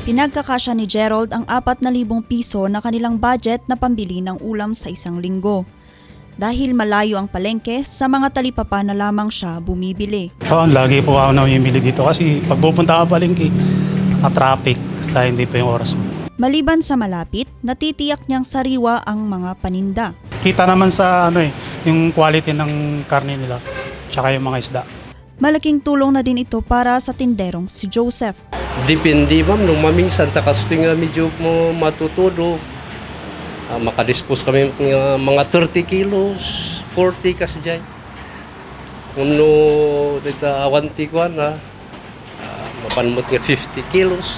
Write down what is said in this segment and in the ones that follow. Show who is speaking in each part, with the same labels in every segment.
Speaker 1: Pinagkakasya ni Gerald ang 4,000 piso na kanilang budget na pambili ng ulam sa isang linggo. Dahil malayo ang palengke, sa mga talipapa na lamang siya bumibili.
Speaker 2: Lagi po ako namimili dito kasi pag pupunta ka palengke, traffic sa hindi pa yung oras mo.
Speaker 1: Maliban sa malapit, natitiyak niyang sariwa ang mga paninda.
Speaker 2: Kita naman sa yung quality ng karne nila, tsaka yung mga isda.
Speaker 1: Malaking tulong na din ito para sa tinderong si Joseph.
Speaker 3: Depende ma'am, nung maminsan takas nga medyo mo matutudo. Makadispose kami ng mga 30 kilos, 40 kasi dyan. Uno, dito awanti ko na, mapanmot nga 50 kilos.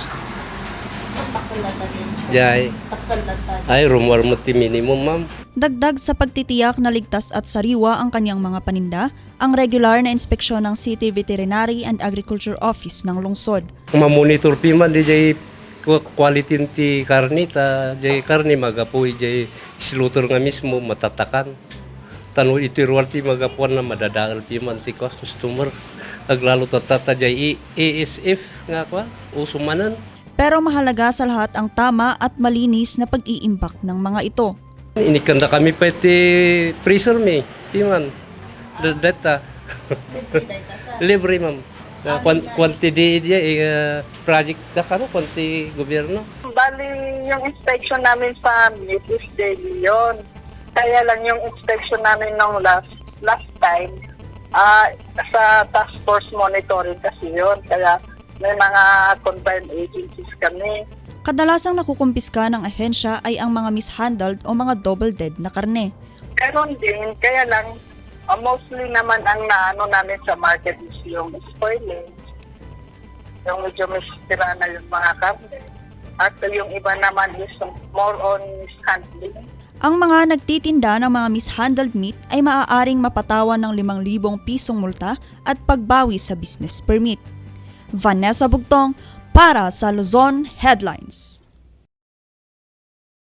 Speaker 3: Jay. Ay, rumor mo ti minimum ma'am.
Speaker 1: Dagdag sa pagtitiyak na ligtas at sariwa ang kanyang mga paninda, ang regular na inspeksyon ng City Veterinary and Agriculture Office ng lungsod.
Speaker 3: Mamonitor piman di jay quality ti karni ta jay karni magapoy jay slaughter nga mismo matatakan. Tanu itiruarti magapuan na madadaal piman ti customer. Aglalo tatata jay ASF nga kwa usumanan.
Speaker 1: Pero mahalaga sa lahat ang tama at malinis na pag-iimbak ng mga ito.
Speaker 3: Inikanda kami pa ti freezer me, piman. Data. Libre ma'am. Quantity dia project da kano quantity gobyerno.
Speaker 4: Bali yung inspection namin sa meat is daily yun. Kaya lang yung inspection namin nung last time sa task force monitoring kasi yun. Kaya may mga confirmed agencies kami.
Speaker 1: Kadalasang nakukumpiska ng ahensya ay ang mga mishandled o mga double dead na karne.
Speaker 4: Karon din, kaya lang mostly naman ang naano namin sa market is yung spoiling. Yung medyo misira na yung mga karne. At yung iba naman is more on mishandling.
Speaker 1: Ang mga nagtitinda ng mga mishandled meat ay maaaring mapatawan ng 5,000 pisong multa at pagbawi sa business permit. Vanessa Bugtong para sa Luzon Headlines.